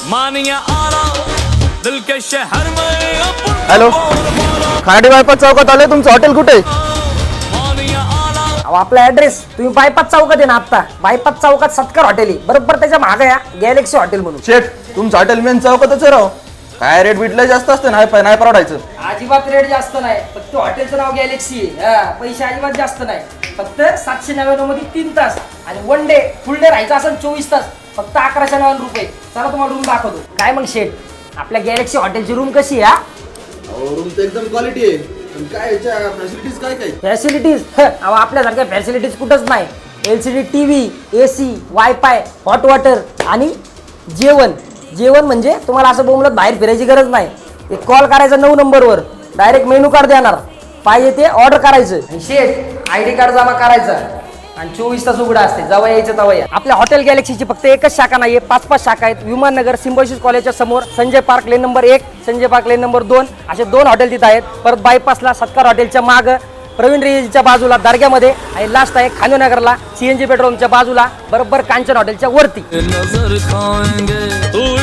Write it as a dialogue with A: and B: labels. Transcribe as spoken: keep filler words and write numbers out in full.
A: मानिया आला दिल के शहर में
B: हॅलो, खाडी बायपास चौकात आले. तुमचं हॉटेल कुठे?
A: मानिया आला
C: अहो, आपला ऍड्रेस तुम्ही बायपास चौकात आहे ना. आता बायपास चौकात सत्कार हॉटेल आहे, बरोबर त्याच्या मागे या गॅलेक्सी हॉटेल म्हणून.
B: शेठ, तुमचं हॉटेल मेन चौकातच आहे राव. काय रेट बिटले जास्त असते ना, नाही नाही परवडायचं.
C: अजिबात रेट जास्त नाही, फक्त हॉटेलचं नाव गॅलेक्सी आहे. हा, पैसे अजिबात जास्त नाही, फक्त सातशे नव्याण्णव मध्ये तीन तास आणि वन डे फुल डे राहायचं असेल चोवीस तास, फक्त अकराशे नव्याण्णव रुपये. चला तुम्हाला रूम दाखवतो. काय मग शेठ, आपल्या गॅलेक्सी हॉटेलची रूम कशी आहे?
D: रूम तर एकदम क्वालिटी आहे, पण काय याच्या फॅसिलिटीज काय काय?
C: फॅसिलिटीज अहो आपल्यासारख्या फॅसिलिटीज कुठंच नाही. L C D TV, A C, wifi, hot water आणि जेवण. जेवण म्हणजे तुम्हाला असं बोंबलत बाहेर फिरायची गरज नाही. एक कॉल करायचा नऊ नंबरवर, डायरेक्ट मेनू कार्ड देणार, पाहिजे ते ऑर्डर करायचं. आणि शेठ आय डी कार्ड जमा करायचा आणि चोवीस तास उघडा असते, जवळ यायचं तवं या. आपल्या हॉटेल गॅलेक्सीची फक्त एकच शाखा नाहीये, पाच पाच शाखा आहेत. विमाननगर सिम्बॉयसिस कॉलेजच्या समोर, संजय पार्क लेन नंबर एक, संजय पार्क लेन नंबर दोन, असे दोन हॉटेल तिथं आहेत. परत बायपासला सत्कार हॉटेलच्या माग, प्रवीण रेजीच्या बाजूला दर्ग्यामध्ये, आणि लास्ट आहे खानोनगरला सीएनजी पेट्रोलच्या बाजूला, बरोबर कांचन हॉटेलच्या वरती.
A: नजर खाएंगे तू